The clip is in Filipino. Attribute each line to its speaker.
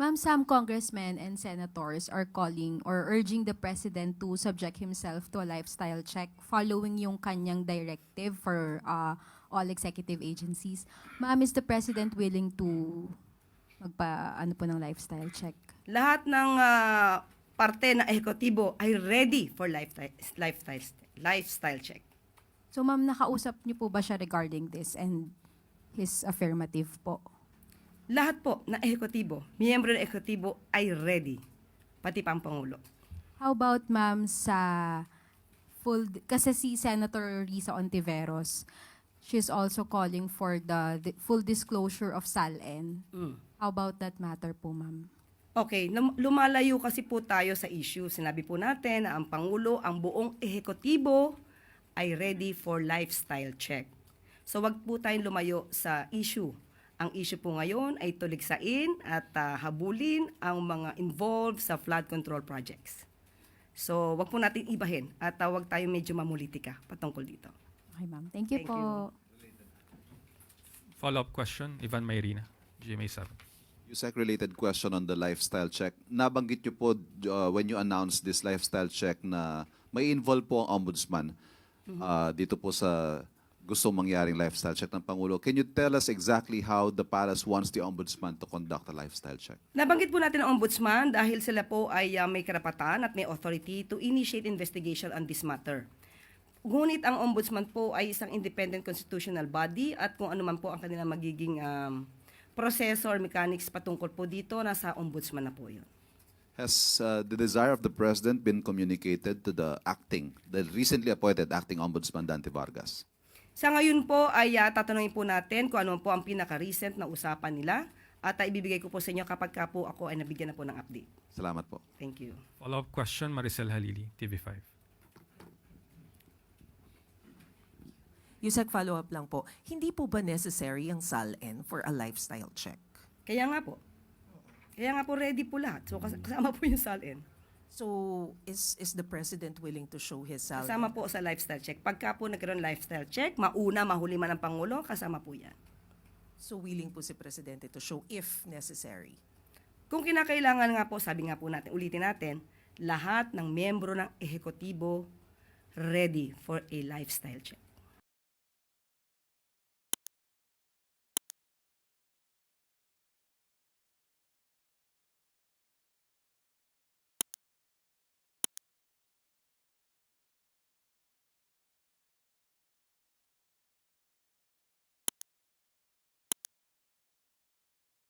Speaker 1: Ma'am, some congressmen and senators are calling or urging the president to subject himself to a lifestyle check following yung kanyang directive for all executive agencies. Ma'am, is the president willing to ano po ng lifestyle check?
Speaker 2: Lahat ng parte na ehekutibo ay ready for lifestyle check.
Speaker 1: So ma'am, nakausap niyo po ba siya regarding this and his affirmative po?
Speaker 2: Lahat po na ehekutibo, miyembro ng ehekutibo ay ready, pati pa ang Pangulo.
Speaker 1: How about ma'am sa kasi si Senator Risa Ontiveros, she's also calling for the full disclosure of SALN. How about that matter po, ma'am?
Speaker 2: Okay, lumalayo kasi po tayo sa issue. Sinabi po natin na ang Pangulo, ang buong ehekutibo ay ready for lifestyle check. So wag po tayong lumayo sa issue. Ang issue po ngayon ay tuligsain at habulin ang mga involved sa flood control projects. So wag po natin ibahin at wag tayo medyo mamulitika patungkol dito.
Speaker 1: Okay, ma'am. Thank you
Speaker 2: Thank
Speaker 1: po.
Speaker 3: Follow-up question, Ivan Mayrina, GMA7.
Speaker 4: USEC-related question on the lifestyle check. Nabanggit niyo po when you announced this lifestyle check na may involve po ang ombudsman dito po sa gustong mangyaring lifestyle check ng Pangulo. Can you tell us exactly how the palace wants the ombudsman to conduct a lifestyle check?
Speaker 2: Nabanggit po natin ang ombudsman dahil sila po ay may karapatan at may authority to initiate investigation on this matter. Ngunit ang ombudsman po ay isang independent constitutional body at kung ano man po ang kanilang magiging proseso or mechanics patungkol po dito, nasa ombudsman na po yun.
Speaker 4: Has the desire of the President been communicated to the recently appointed acting ombudsman Dante Vargas?
Speaker 2: Sa ngayon po ay tatanungin po natin kung ano po ang pinaka-recent na usapan nila at ibibigay ko po sa inyo kapag ka po ako ay nabigyan na po ng update.
Speaker 4: Salamat po.
Speaker 2: Thank you.
Speaker 3: Follow-up question, Maricel Halili, TV5.
Speaker 5: Yusek, follow-up lang po. Hindi po ba necessary ang SALN for a lifestyle check?
Speaker 2: Kaya nga po. Kaya nga po ready po lahat. So kasama po yung SALN.
Speaker 5: So, is the President willing to show his SALN?
Speaker 2: Kasama po sa lifestyle check. Pagka po nagkaroon lifestyle check, mauna, mahuli man ang Pangulo, kasama po yan.
Speaker 5: So, willing po si Presidente to show if necessary?
Speaker 2: Kung kinakailangan nga po, sabi nga po natin, ulitin natin, lahat ng miyembro ng ehekutibo ready for a lifestyle check.